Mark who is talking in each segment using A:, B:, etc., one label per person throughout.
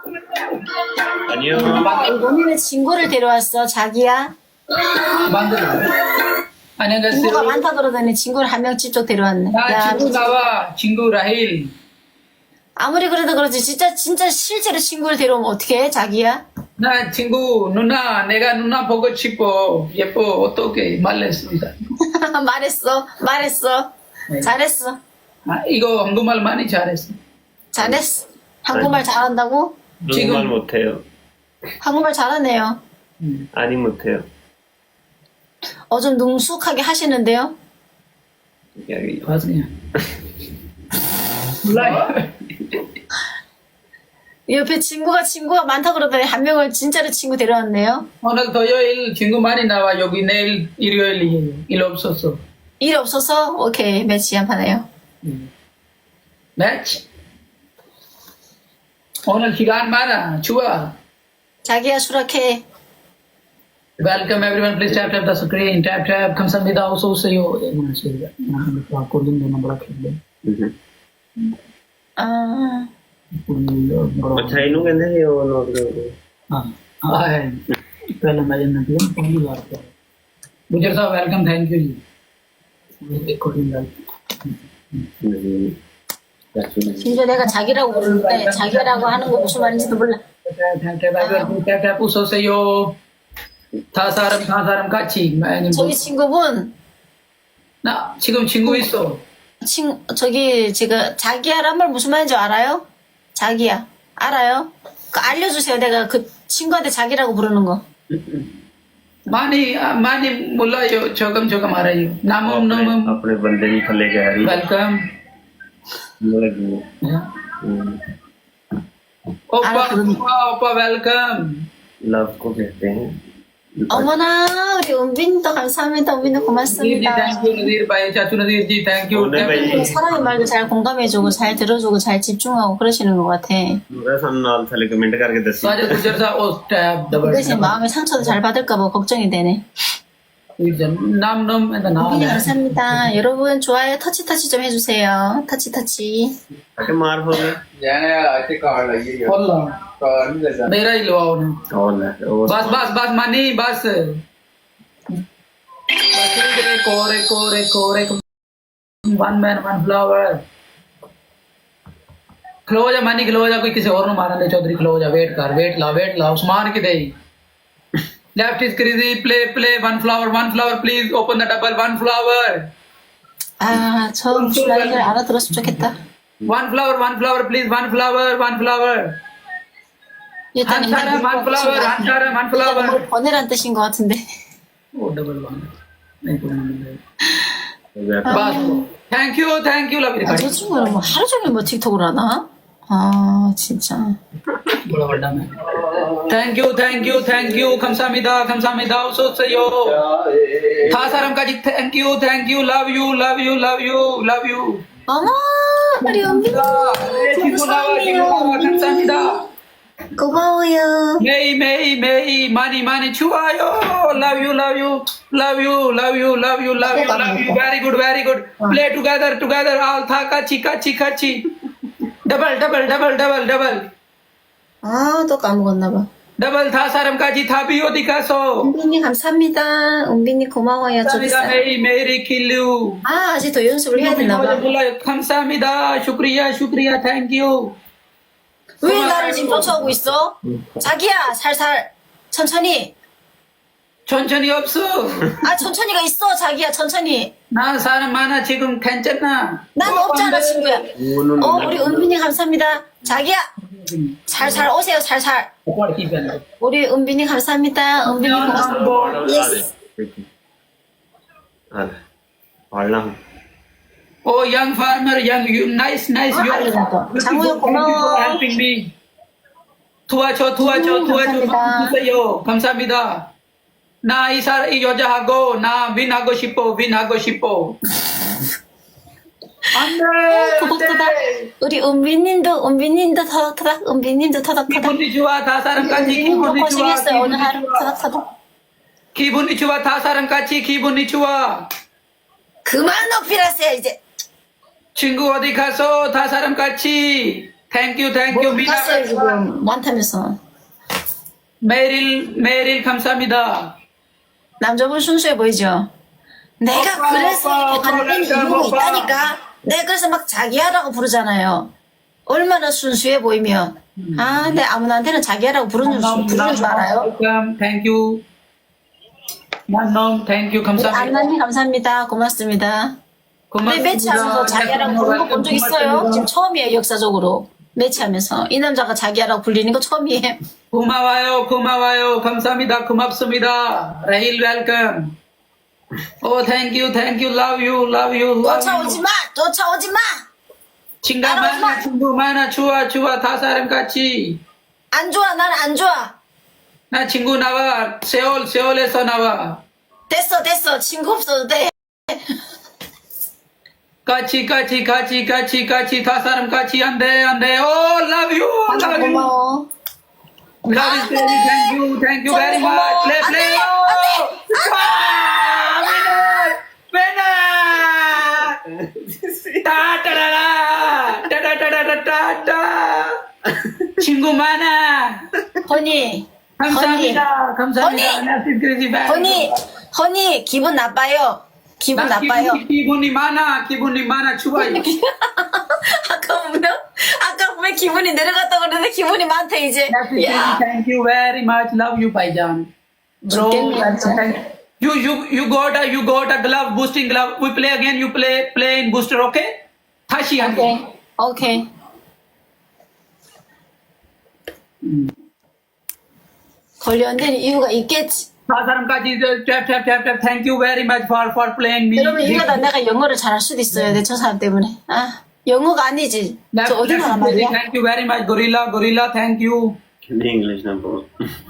A: 아니요.
B: 너네는 친구를 데려왔어, 자기야? 친구가
C: 안녕하세요.
B: 많다 그러더니 친구를 한 명 직접 데려왔네.
C: 나
B: 야,
C: 친구 나와. 친구 라힐.
B: 아무리 그래도 그렇지. 진짜 실제로 친구를 데려오면 어떡해, 자기야?
C: 나 친구 누나 내가 누나 보고 싶어. 예뻐. 어떻게 말했습니다.
B: 말했어.
C: 네.
B: 잘했어.
C: 아, 이거 한국말 많이 잘했어.
B: 잘했어. 한국말 잘한다고?
A: 한국말 못해요.
B: 한국말 잘하네요.
A: 아니 못해요.
B: 좀 능숙하게 하시는데요?
A: 여기
C: 맞아요. 몰라요.
B: 옆에 친구가 많다 그러더니 한 명을 진짜로 친구 데려왔네요.
C: 오늘 토요일 친구 많이 나와. 여기 내일 일요일이에요. 일 없었어.
B: 일 없어서 오케이 매치 한판 해요.
C: 매치. 오늘 시간 많아. 좋아.
B: 자기야 수락해.
C: Welcome everyone. Please tap the screen. Tap. 감사합니다. 어서 오세요.
B: 아,
A: ਅੱਛਾ ਇਹਨੂੰ ਕਹਿੰਦੇ ਸੀ ਉਹ ਨੋਟ ਕਰੋ
C: पहले मैं जानती हूँ पहली बार गुजर साहब वेलकम थैंक यू जी
B: 심지어 내가 자기라고 부르는데 자기라고 하는 거 무슨 말인지도 몰라.
C: tap 어서 오세요 다사람 같이
B: 저기 친구분
C: 나 지금 친구 있어
B: 저기 지금 자기야란 말 무슨 말인지 알아요? 자기야 알아요? 그 알려주세요. 내가 그 친구한테 자기라고 부르는 거.
C: 많이 몰라요 조금 알아요 나무
A: ਆਪਣੇ ਬੰਦੇ ਦੀ ਥੱਲੇ ਕਹਿ ਰਹੀ
C: वेलकम
A: ਲੱਗੀ
C: 오빠 वेलकम
A: लव को कहते हैं
B: 어머나 우리 은빈도 감사합니다. 은빈도
C: नदीर जी
B: 고맙습니다.
C: थैंक यू नदीर भाई चाचू नदीर जी थैंक यू
B: 사람의 말도 잘 공감해주고 잘 들어주고 잘 집중하고 그러시는 것 같아.
A: ਮੈਂ ਸਾਨੂੰ ਨਾਲ ਥੱਲੇ ਕਮੈਂਟ ਕਰਕੇ ਦੱਸੀ
C: साजे गुजर साहब ओ टैब
B: 그
C: डबल
B: 대신 마음의 상처도 잘 받을까봐 걱정이 되네.
C: नाम एंड नाम
B: 은빈이 감사합니다. 여러분 좋아요 터치 좀 해주세요. 터치.
A: ਕਿ ਮਾਰ ਹੋ ਗਏ
D: ਜਾਨੇ ਇੱਥੇ ਕਾਰਡ ਲੱਗੀ ਹੈ
C: अल्लाह
D: ਕਾਰਡ ਨਹੀਂ ਲੱਗਾ
C: मेरा ही लवाओ ना
A: ਉਹ ਲੈ ਉਹ
C: बस मानी बस कोरे वन मैन वन फ्लावर खलो जा मानी खलो जा कोई किसी और नु मारन दे चौधरी खलो जा वेट ला उस्मान की the left is crazy play one flower please open the double one flower
B: 저 라이를 알아들었으면 좋겠다.
C: One flower please one flower
B: 일단
C: one flower
B: 뭘 보내란 뜻인 것 같은데.
C: O double one बस थैंक यू लव यू
B: 저 친구는 뭐 하루 종일 뭐 틱톡을 하나? 아 진짜.
C: बड़ा बड़ा मैं thank you 감사합니다 어서 오세요 다사람 까지 thank you love you
B: 어머 우리 은빈
C: 친구 나와 감사합니다
B: 고마워요.
C: 메이 많이 좋아요 love you very good play together all था 같이 डबल
B: 또 까먹었나 봐.
C: डबल था सारम काजी था भी हो दिखासो
B: 은빈이 감사합니다. 은빈이 고마워요. 저기 있어요.
C: मेरी किल्लू
B: 아직 더 연습을 해야 되나 봐.
C: 감사합니다 शुक्रिया थैंक यू
B: 왜 나를 지금 쫓아오고 있어? 자기야 살살 천천히
C: 없어
B: 천천히가 있어. 자기야 천천히.
C: 나 사람 많아 지금 괜찮아
B: 난 없잖아 친구야. 우리 은빈이 감사합니다. 자기야 살살 오세요. 살살. 우리 은빈이 감사합니다. 은빈이 고맙습니다. 예스.
A: 얼랑
C: ओ young farmer you nice
B: 장우야 고마워.
C: helping me 도와줘 주세요 감사합니다 나 이 여자하고 나 윈하고 싶어 안돼
B: 토닥토닥. 우리 은빈님도 토닥토닥.
C: 기분이 좋아 다 사람까지 기분이 좋아
B: 고생했어요 오늘 하루 토닥토닥.
C: 기분이 좋아 다 사람같이 기분이 좋아
B: 그만 높이라세요 이제.
C: 친구 어디 가서 다 사람같이 thank you
B: 뭐
C: 미나
B: 갔어요 지금 많다면서.
C: 메릴 감사합니다.
B: 남자분 순수해 보이죠? 내가
C: 오빠,
B: 그래서 이렇게
C: 오빠,
B: 가는
C: 오빠,
B: 이유가
C: 오빠.
B: 있다니까. 내가 그래서 막 자기야라고 부르잖아요. 얼마나 순수해 보이면. 아, 내 아무나한테는 자기야라고 부르는 줄 알아요?
C: welcome thank you 만놈 thank you 감사합니다.
B: 안나님 감사합니다. 고맙습니다. 내 매치하면서 자기야라고 부르는 거 본 적 있어요? 지금 처음이에요, 역사적으로. 매치하면서. 이 남자가 자기야라고 불리는 거 처음이에요.
C: 고마워요 감사합니다 고맙습니다. 라힐 웰컴. 오 thank you love you
B: 쫓아오지 마! 쫓아오지 마!
C: 친구 많아 좋아 다 사람 같이.
B: 안 좋아, 나는 안 좋아.
C: 나 친구 나와 세올에서 나와.
B: 됐어. 친구 없어도 돼.
C: 같이 다 사람 같이 안돼 오 love you
B: 고마워.
C: love you thank you very much play 따따라라 친구 많아.
B: 허니.
C: 감사합니다.
B: 허니, 기분 나빠요. 기분 나빠요.
C: 기분이 많아 좋아요.
B: 아까 보면 기분이 내려갔다고 그러는데 기분이 많다, 이제. 야.
C: Thank you very much. Love you, Baijan. Bro, you got a glove, boosting glove. We play again. You play in booster, okay? 다시 한 번.
B: 오케이. 걸려온다는 이유가 있겠지.
C: 다 사람까지 tap. Thank you very much for playing me.
B: 여러분, 이러다 내가 영어를 잘할 수도 있어요. 내 저 사람 때문에. 아, 영어가 아니지. 저 어디 나라 말이야?
C: Thank you very much, Gorilla. Thank you.
A: English number.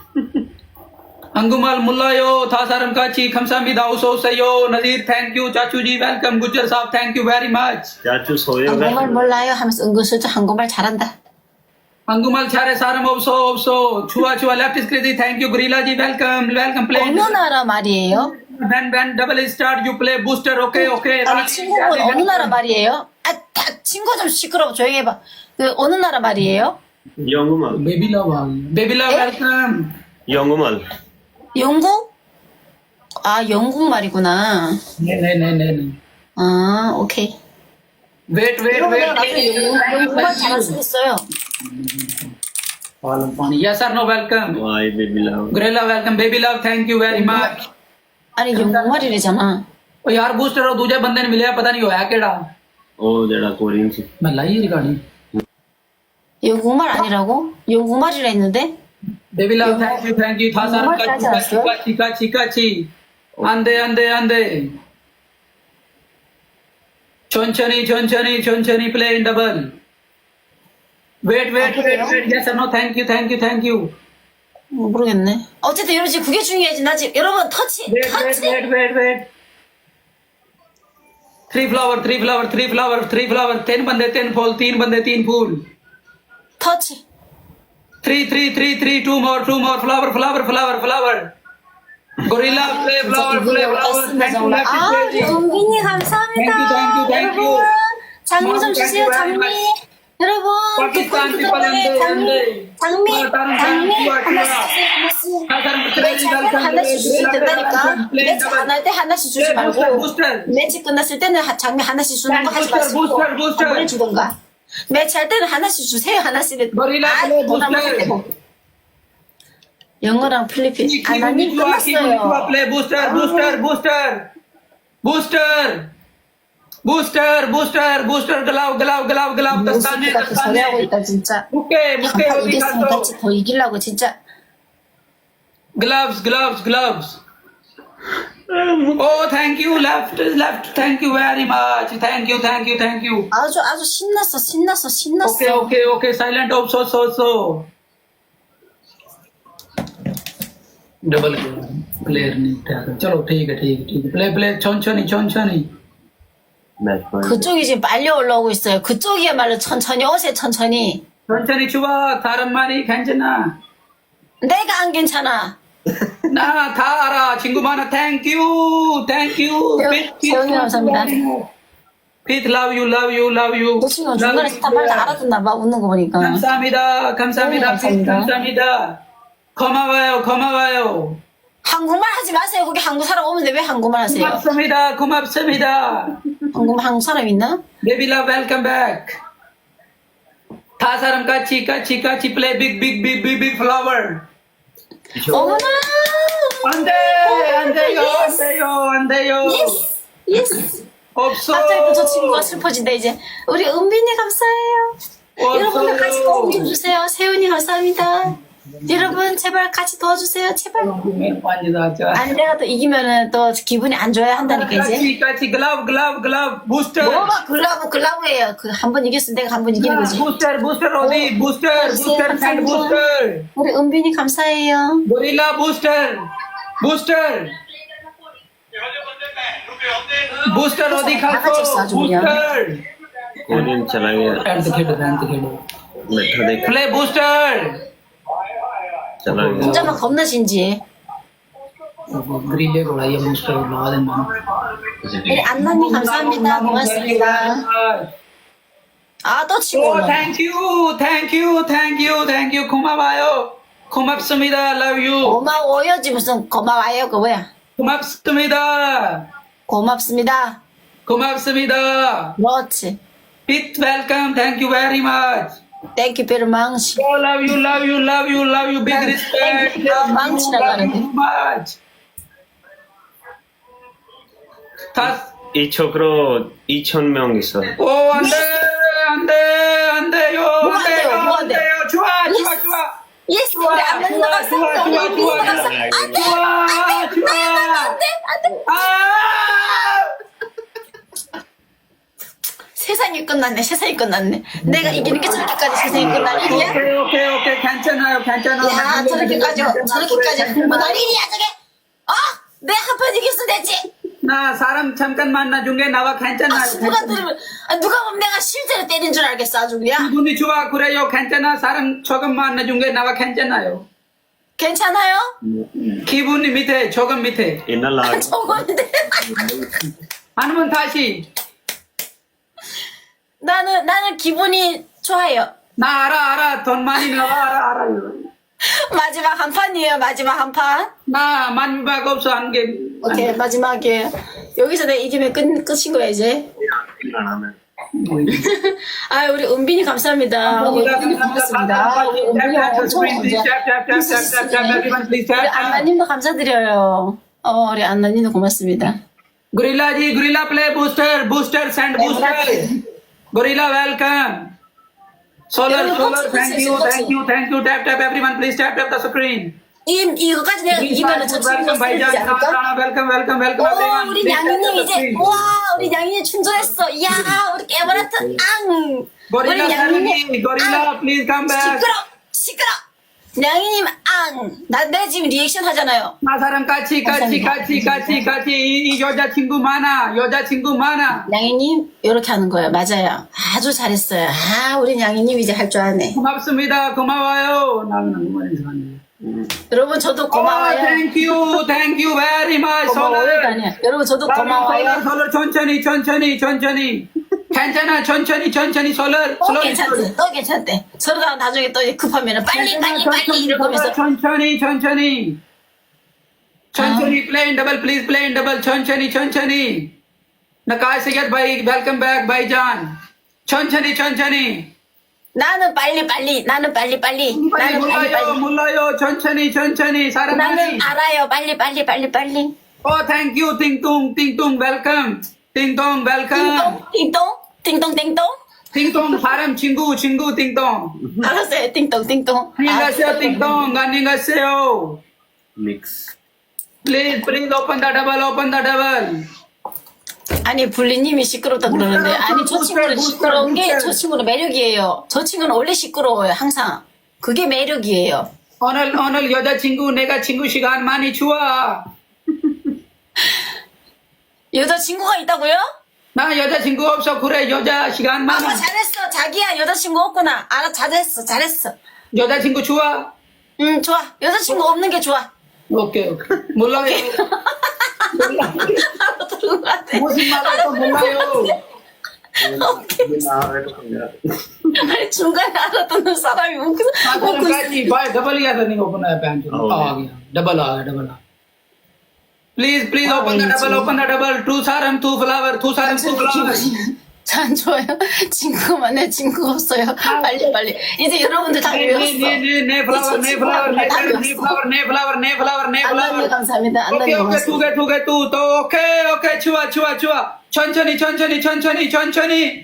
C: अंगुमल मुल्लायो 다 사람 같이 감사합니다. 어서 오세요. Nazir thank you. चाचूजी welcome. Gujjar साहब thank you very much.
A: 자주 소요가.
B: 한국말 몰라요 하면서 은근슬쩍 한국말 잘한다.
C: अंगुमल 차례 사람 없어. 좋아 left is crazy. Thank you. Gorilla ji welcome play.
B: 어느 나라 말이에요?
C: When double start you play booster. Okay.
B: 아니, 친구분 어느 나라 말이에요? 아, 친구 좀 시끄러워. 조용히 해봐. 그 어느 나라 말이에요?
A: 영어말.
C: Baby love welcome.
A: 영어말.
B: 영국? 아, 영국 말이구나.
C: 네.
B: 아, 오케이.
C: Wait.
B: 영국말 잘할 수 있어요.
C: Yes or no welcome.
A: Why baby love?
C: Gorilla welcome. Baby love thank you very much.
B: 아니, 영국말이래잖아.
C: ओ यार बूस्टर और दूजे बंदे ने मिलिया पता नहीं होया केड़ा
A: ਉਹ ਜਿਹੜਾ ਕੋਰੀਅਨ ਸੀ.
C: मैं लाई recording
B: 영국말 아니라고? 영국말이라 했는데?
C: Baby love thank you था सारा चिका अंदे चोंचनी play in double wait yes no thank you
B: 모르겠네. 어쨌든 이러지 그게 중요하지. 나 지금 여러분 터치.
C: Wait 3 flower 10 बंदे 10 फूल 3 बंदे 3 फूल
B: 터치.
C: 3 2 more flower gorilla play flower
B: 아, 우리 은빈이 감사합니다.
C: Thank you.
B: 장미 좀 주세요, 장미. 여러분,
C: 파키스탄
B: 장미 하나씩 주시면 된다니까. 매치 안 할 때 하나씩 주지 말고 매치 끝났을 때는 장미 하나씩 주는 거 하지 마시고 뭘 주던가. 매치 할 때는 하나씩 주세요, 하나씩. 영어랑 필리핀 아나님 끝났어요.
C: play booster glove
B: 모습이 같은 소리 하고 있다 진짜.
C: 무게
B: 이겼으면 같이 더 이기려고 진짜.
C: gloves oh thank you left thank you very much thank you
B: 아주 신났어.
C: okay silent off so double player नहीं चलो ठीक है play 천천히
B: 그쪽이 지금 빨리 올라오고 있어요. 그쪽이야말로 천천히 오세요. 천천히.
C: 좋아 다른 말이 괜찮아
B: 내가 안 괜찮아.
C: 나 다 알아 친구 많아 thank you
B: 재훈이 감사합니다.
C: Pete, love you, love you, love you.
B: 너 친구가 중간에 스타 말도 알아듣나 봐, 웃는 거 보니까.
C: 감사합니다, 감사합니다, Pete, 감사합니다. 고마워요, 고마워요.
B: 한국말 하지 마세요. 거기 한국 사람 오는데 왜 한국말 하세요?
C: 고맙습니다, 고맙습니다.
B: 한국 사람 있나?
C: Baby love, welcome back. 다 사람 같이 play big flower.
B: 어머나!
C: 안 돼요.
B: 예스!
C: 없어.
B: 갑자기 또 저 친구가 슬퍼진다, 이제. 우리 은빈이 감사해요. 여러분들 같이 도움 좀 주세요. 세훈이 감사합니다. 여러분, 제발 같이 도와주세요. 제발. 아니, 내가 또 이기면은 또 기분이 안 좋아야 한다니까, 이제.
C: 같이 글라브 부스터.
B: 뭐가 글라브예요. 그 한 번 이겼으면 내가 한 번 이기는 거지.
C: 부스터 어디 부스터 샌드 부스터.
B: 우리 은빈이 감사해요.
C: 고릴라 부스터 어디
B: 다 같이 있어,
C: 갔어?
B: 아주 그냥.
C: 부스터.
A: Korean चलाएंगे बैठा देख
C: 플레이 부스터.
A: चलाएंगे
B: 진짜만 겁나 진지해.
C: 그릴레 골라야 부스터 나와야
B: 우리 안나님 감사합니다. 고맙습니다. 아, 또 치고
C: 오,
B: 오네.
C: thank you. 고마워요. 고맙습니다. Love you.
B: 고마워요지 무슨 고마워요 그 뭐야.
C: 고맙습니다.
B: 고맙습니다. 그렇지.
C: Pete, welcome. Thank you very much.
B: Thank you very much.
C: Oh, love you. Big respect.
B: 망치라고 하는데.
C: Thank you much. 다,
A: 이 छोकरो 2,000명 있어.
C: 오, 안 돼요. 안 돼요. 좋아.
B: 예스. 우리 안나님 감사합니다. 우리 은빈이 감사합니다.
C: 좋아.
B: 안돼. 세상이 끝났네. 내가 이기는 게 저렇게까지 세상이 끝날 일이야?
C: 오케이. 괜찮아요.
B: 야, 저렇게까지 흥분할 일이야, 저게? 내 한 판 이겼으면 됐지?
C: 나 사람 잠깐 만나준 게 나와 괜찮아요.
B: 누가 들으면, 누가 보면 내가 실제로 때린 줄 알겠어, 아주 그냥.
C: 기분이 좋아, 그래요. 괜찮아. 사람 조금 만나준 게 나와 괜찮아요.
B: 괜찮아요?
C: 기분이 밑에, 조금 밑에.
A: इन्ना लाग
B: 저건데.
C: 아니면 다시.
B: 나는 기분이 좋아요.
C: 나 알아. 돈 많이 나와, 알아요.
B: 마지막 한 판이에요, 마지막 한 판.
C: 나 만박 없어, 한 개.
B: 오케이, 마지막에. 여기서 내가 이기면 끝인 거야, 이제. 아, 우리 은빈이 감사합니다. 우리 은빈이 고맙습니다. 우리 은빈이 엄청 감사. 우리 안나님도 감사드려요. 우리 안나님도 고맙습니다.
C: Gorilla ji, Gorilla play booster, send booster. Gorilla welcome. Solar, thank you. Tap, everyone, please tap the screen.
B: 이거까지 내가 이기면 저 친구가
C: Welcome,
B: 쓰러지지 않을까?
C: welcome,
B: 오,
C: everyone.
B: 우리
C: Please
B: 양이님
C: tap the
B: 이제,
C: screen.
B: 와, 우리 양이님 충전했어. 이야, 우리 깨버렸던 앙. 우리
C: Gorilla,
B: 양이님,
C: Gorilla, please come back.
B: 시끄러. 양이님 앙. 내 지금 리액션 하잖아요.
C: 나 사람 같이. 이 여자친구 많아.
B: 양이님, 이렇게 하는 거예요. 맞아요. 아주 잘했어요. 우리 양이님 이제 할 줄 아네.
C: 고맙습니다. 고마워요. 나는 너무 이상하네.
B: 여러분, 저도 고마워요.
C: Thank you very much.
B: 고마워요. 아니야. 여러분, 저도 고마워요.
C: 솔로 천천히. 괜찮아. 천천히 솔로.
B: 또 괜찮대. 서로가 나중에 또 급하면 빨리 이럴 거면서.
C: 천천히. Play in double, please play in double. 천천히. Nakai Sayyid bhai, welcome back, bhaijan. 천천히.
B: 나는 빨리.
C: 몰라요. 천천히. 사람
B: 나는
C: 많이.
B: 알아요. 빨리.
C: Oh, thank you. 띵동, welcome. 띵동, welcome.
B: 띵동.
C: 사람 친구, 띵동.
B: 알았어요. 띵동.
C: 안녕하세요, 띵동.
A: Mix
C: Please, open the double.
B: 아니, 불리님이 시끄럽다 그러는데, 아니, 저 친구는 시끄러운 게 저 친구는 매력이에요. 저 친구는 원래 시끄러워요, 항상. 그게 매력이에요.
C: 오늘 여자친구, 내가 친구 시간 많이 좋아.
B: 여자친구가 있다고요?
C: 나 여자친구 없어. 그래, 여자 시간 많아.
B: 잘했어. 자기야, 여자친구 없구나. 잘했어.
C: 여자친구 좋아?
B: 응, 좋아. 여자친구 없는 게 좋아.
C: 오케이. 몰라요.
B: 알아들은 것 같아.
C: 무슨 말할까 몰라요.
A: 나해도 갑니다.
B: 아니, 중간에 알아듣는 사람이 웃고 있어.
C: भाई डबल या तो नहीं ओपन है पैंट आ गया double आ गया please open the double two सारम two flower
B: 안 좋아요. 친구만 내 친구가 없어요. 빨리. 이제 여러분들 다 외웠어.
C: 네 플라워
B: 안나님 감사합니다. 안나님
C: 오케이
B: 고맙습니다.
C: 또 오케이 좋아 천천히
B: 천천히.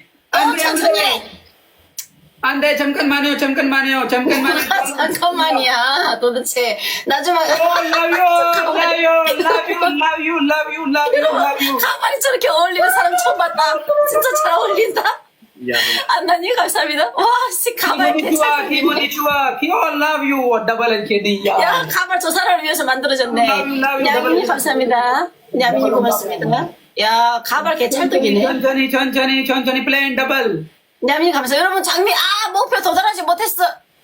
C: 안돼 잠깐만요
B: 잠깐만이야. 도대체 나중에
C: love you
B: 가만히 저렇게 어울리는 사람 처음 봤다. 진짜 잘 어울린다.
A: 야,
B: 안나님 감사합니다. 와, 씨 가발
C: 기분이 좋아 love you double and KD
B: 야, 가발 저 사람을 위해서 만들어졌네. 야민이 감사합니다. 야민이 고맙습니다. 야, 가발 개 찰떡이네.
C: 천천히 플레인 더블
B: 야민이 감사. 여러분 장미 목표 도달하지 못했어.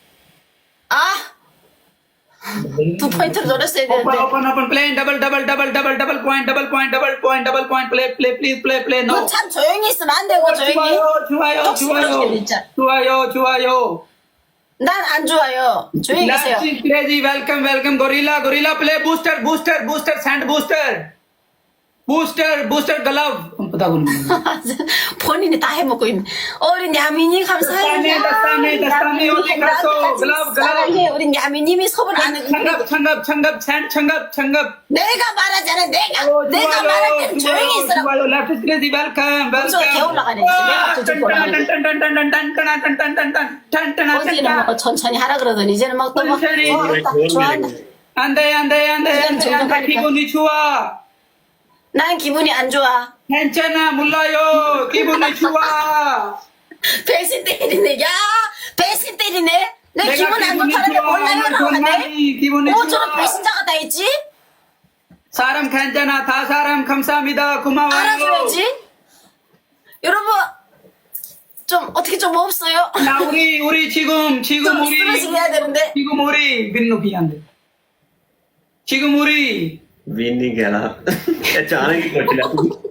B: 두 포인트로 노렸어야 되는데.
C: open plane double point play no
B: 참 조용히 있으면 안 되고 조용히.
C: 좋아요
B: 난 안 좋아요. 조용히 계세요.
C: crazy welcome gorilla play booster sand booster glove पता को नहीं
B: 본인이 다 해먹고 있네. 우리 야민이 감사해요.
C: दस्ताने only kaso glove
B: 사랑해. 우리 야민님이 속을 안 해고.
C: 창갑
B: 내가 말하잖아. 내가 말할 때 조용히 있으라고.
C: 좋아요 left is crazy welcome
B: 저 개 올라가네. 내가 저쪽 올라가네. 어디는 뭐 천천히 하라 그러더니 이제는 막 또 막 좋아한다.
C: 안돼 기분이 좋아
B: 난 기분이 안 좋아.
C: 괜찮아 몰라요 기분이 좋아
B: 배신 때리네. 야, 배신 때리네. 내 기분 안 좋다는데 몰라요라고 하네.
C: 기분이
B: 저런 배신자가 다 있지?
C: 사람 괜찮아 다 사람 감사합니다 고마워요
B: 알아줘야지. 여러분 좀 어떻게 좀 없어요?
C: 나 우리 지금
B: 좀 스트레칭 해야 되는데.
C: 지금 우리 민노 비한데 지금 우리
A: win नहीं कहना अचानक ही कट लिया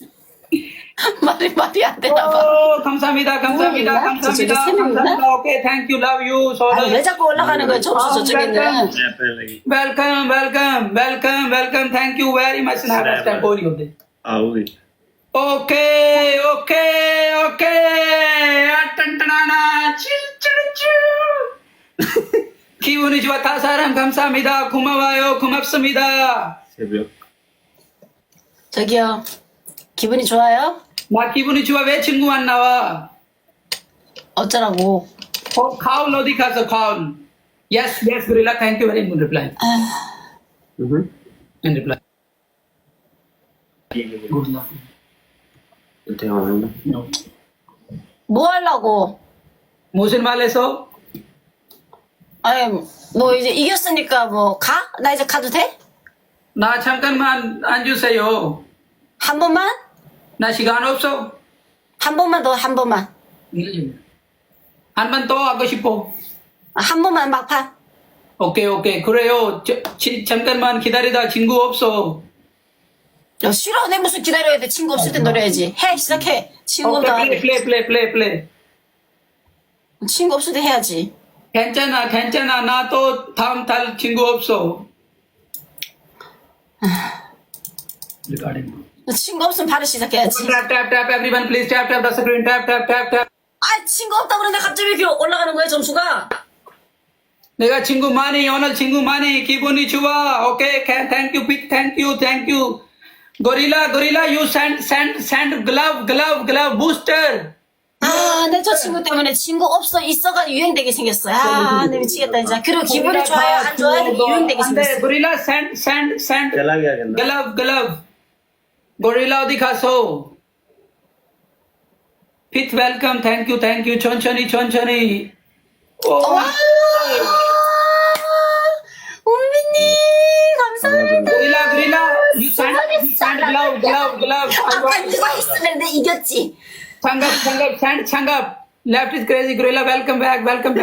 B: 말이 안 되나 봐.
C: 감사합니다
B: 저쪽에 세 명이나?
C: 오케이 thank you love you
B: 아니, 왜 자꾸 올라가는 거야? 점수 저쪽에는.
C: welcome thank you very much snap कोई नहीं होते
A: आओगे
C: 오케이 टनटना나 기분이 좋아 다 사람 감사합니다 고맙습니다
A: 새벽
B: 저기요. 기분이 좋아요?
C: 나 기분이 좋아 왜 친구 안 나와
B: 어쩌라고.
C: 카운 어디 가서 카운 yes gorilla thank you very much reply and reply good luck
A: 대화는
C: no
B: 뭐 하려고?
C: 무슨 말해서
B: 아니, 뭐 이제 이겼으니까 뭐 가? 나 이제 가도 돼?
C: 나 잠깐만 앉으세요
B: 한 번만?
C: 나 시간 없어
B: 한 번만 더, 한 번만.
C: 한 번 더 하고 싶어
B: 한 번만 막판.
C: 오케이 그래요 잠깐만 기다리다 친구 없어
B: 야, 싫어. 내 무슨 기다려야 돼. 친구 없을 때 노려야지. 해, 시작해. 친구 없다.
C: 플레이
B: 친구 없을 때 해야지.
C: 괜찮아 나 또 다음 달 친구 없어
B: 친구 없으면 바로 시작해야지.
C: tap everyone please tap the screen tap
B: 아, 친구 없다 그러는데 갑자기 왜 이렇게 올라가는 거야, 점수가?
C: 내가 친구 많이 오늘 친구 많이 기분이 좋아 오케이 thank you big thank you gorilla you send glove booster
B: 아, 내 저 친구 때문에 친구 없어, 있어가 유행되게 생겼어. 아, 내 미치겠다, 진짜. 그리고 기분이 좋아요, 안 좋아요? 유행되게 생겼어.
C: gorilla send
A: चला गया कहना
C: glove gorilla 어디 가서 Pith welcome thank you 천천히
B: 와! 은비님, 감사합니다.
C: gorilla you send glove
B: 아까 누가 있었는데 이겼지?
C: 장갑 left is crazy gorilla welcome back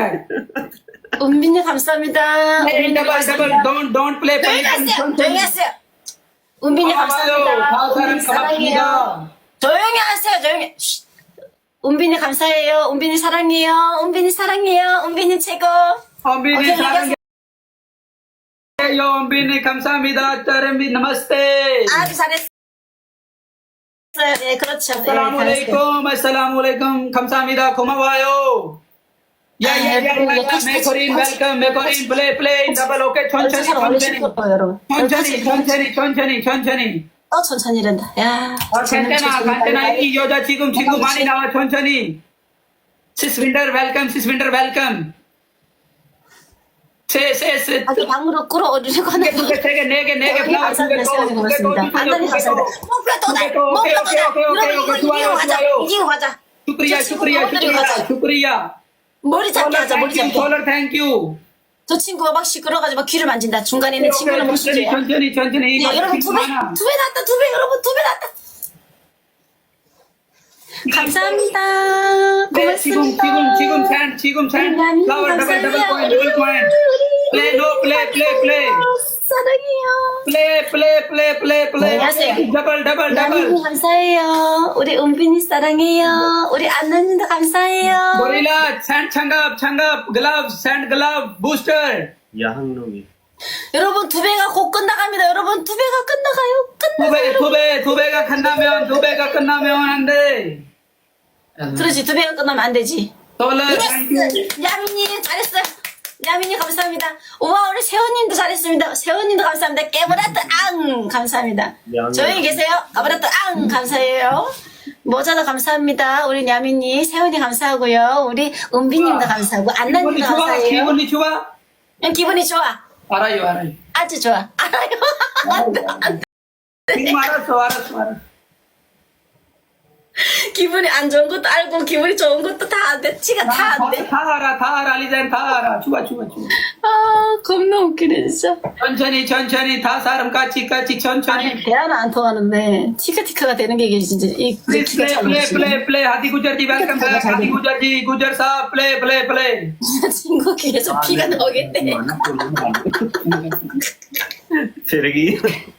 B: 은비님, 감사합니다.
C: hey double don't play
B: 조용히 하세요. 은비님, 감사합니다.
C: 다 사람
B: 은비님, 사랑해요.
C: 고맙습니다
B: 조용히 하세요, 조용히. 쉿. 은빈이 감사해요. 은빈이 사랑해요. 은빈이 사랑해요. 은빈이 최고.
C: 엄빈이
B: 오케이,
C: 사랑해요. 엄빈이 감사합니다. 짜름비 나마스테.
B: 아주 잘했어요. 네, 그렇죠. 네,
C: Assalamualaikum, assalamualaikum. 감사합니다. 고마워요. 메코린 웰컴, 메코린 플레이. 더블 오케이. 천천히.
B: 여러분.
C: 천천히.
B: 천천히란다. 야.
C: 간테나 이 여자 지금 친구 많이 나와. 천천히. 시스윈터 웰컴. 세.
B: 아주 방으로 끌어올리려고 하는 거.
C: 네 개 플라워
B: 고맙습니다. 안녕히 감사합니다. 목표 또 이기고 가자.
C: 슈크리야.
B: 머리 잡게 하자. 머리 잡게.
C: 콜러 땡큐.
B: 저 친구가 막 시끄러가지고 막 귀를 만진다. 중간에 있는 친구는 못 시켜요.
C: 천천히.
B: 야, 여러분 두 배 났다. 여러분 2배 났다. 감사합니다.
C: 네,
B: 고맙습니다.
C: 지금 샌. 플라워 더블 코인. 플레이.
B: 사랑해요.
C: 플레이.
B: 안녕하세요.
C: 더블.
B: 나님 감사해요. 우리 은빈이 사랑해요. 우리 안나님도 감사해요.
C: 고릴라 샌 장갑 글러브 부스터.
A: 야학놈이.
B: 여러분 2배가 곧 끝나갑니다. 여러분 2배가 끝나가요.
C: 두 배가 끝나면 안 돼.
B: 그렇지 2배가 끝나면 안 되지.
C: 콜러 땡큐.
B: 야민님 잘했어요. 야민님 감사합니다. 우와 우리 세호님도 잘했습니다. 세호님도 감사합니다. 깨브라트 앙 감사합니다.
A: 야민.
B: 조용히 계세요. 까브라트 앙 감사해요. 모자도 감사합니다. 우리 야민님, 세훈이 감사하고요. 우리 은비님도 감사하고 안나님도 감사해요.
C: 기분이 좋아?
B: 기분이 좋아.
C: 알아요.
B: 아주 좋아. 알아요.
C: 지금 알았어.
B: 기분이 안 좋은 것도 알고 기분이 좋은 것도 다 안 돼. 지가 다 안 돼.
C: 다 알아, 리자인 다 알아. 좋아.
B: 아 겁나 웃기네 진짜.
C: 천천히, 다 사람 같이, 천천히.
B: 아니 대화는 안 통하는데 티카가 되는 게 이게 진짜 이
C: 플레이. 하디 구저지, 웰컴 백. 하디 구저지, 구저사, 플레이.
B: 친구 귀에서 피가 나오겠네.
A: 세력이.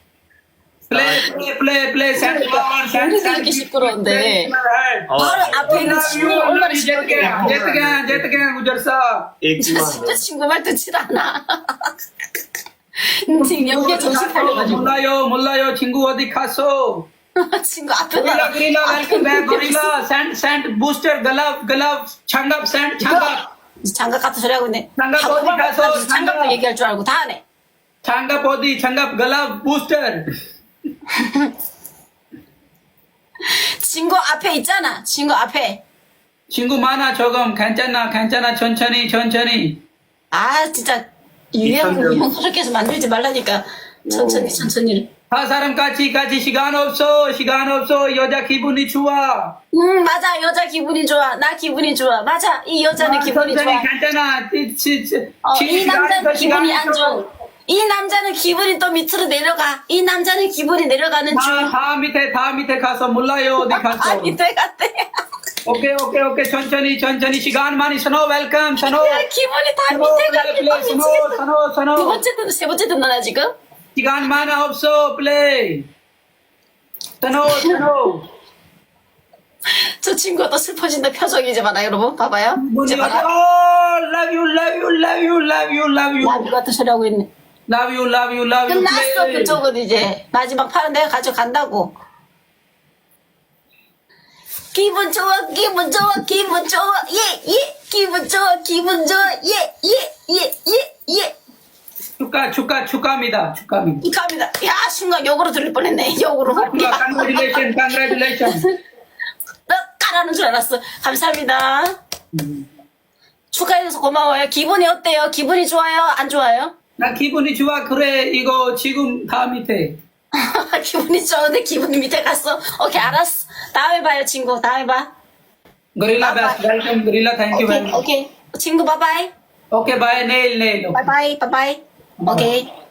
C: 플레이.
B: 우리도 이렇게 시끄러운데 바로 앞에 있는 친구가 얼마나 시끄럽게
C: 제트게 구저사.
B: 진짜 친구 말 듣질 않아. 지금 연기에 정신 팔려가지고
C: 몰라요. 친구 어디 갔어?
B: 친구 앞에
C: 고릴라 웰컴 백. 고릴라 샌드 부스터 글러브 장갑
B: 장갑 같은 소리 하고 있네.
C: 장갑 어디 가서
B: 장갑도 얘기할 줄 알고 다 하네.
C: 장갑 글러브 부스터.
B: 친구 앞에 있잖아. 친구 앞에.
C: 친구 많아 조금 괜찮아 천천히.
B: 아 진짜 유형스럽게 해서 만들지 말라니까. 천천히.
C: 다 사람 같이 시간 없어 여자 기분이 좋아.
B: 맞아 여자 기분이 좋아. 나 기분이 좋아. 맞아 이 여자는 기분이 좋아.
C: 괜찮아.
B: 이 남자는 기분이 안 좋아. 이 남자는 기분이 또 밑으로 내려가. 이 남자는 기분이 내려가는 중.
C: 다 밑에 가서 몰라요 어디 갔어.
B: 밑에 갔대.
C: 오케이 천천히 시간 많이 선호 웰컴 선호.
B: 야, 기분이 다 밑에 가게.
C: 선호.
B: 두 번째 듣는 세 번째 듣나 지금?
C: 시간 많아 없어 플레이. 선호.
B: 저 친구가 또 슬퍼진다 표정이지 마라 여러분 봐봐요. 이제 봐라.
C: love you.
B: 나비 같은 소리 하고 있네.
C: Love you.
B: 끝났어 그쪽은 이제 마지막 판은 내가 가져간다고. 기분 좋아 예 기분 좋아 예
C: 축하합니다.
B: 축하합니다. 야 순간 욕으로 들릴 뻔했네. 욕으로.
C: Congratulations.
B: 너 까라는 줄 알았어. 감사합니다. 축하해줘서 고마워요. 기분이 어때요? 기분이 좋아요? 안 좋아요?
C: 나 기분이 좋아. 그래 이거 지금 다 밑에.
B: 기분이 좋은데 기분이 밑에 갔어. 오케이 알았어. 다음에 봐요 친구. 다음에 봐.
C: 고릴라 베스트 웰컴 고릴라 땡큐 very much.
B: 오케이 친구 바이바이.
C: 오케이 바이 내일.
B: 바이바이. 오케이.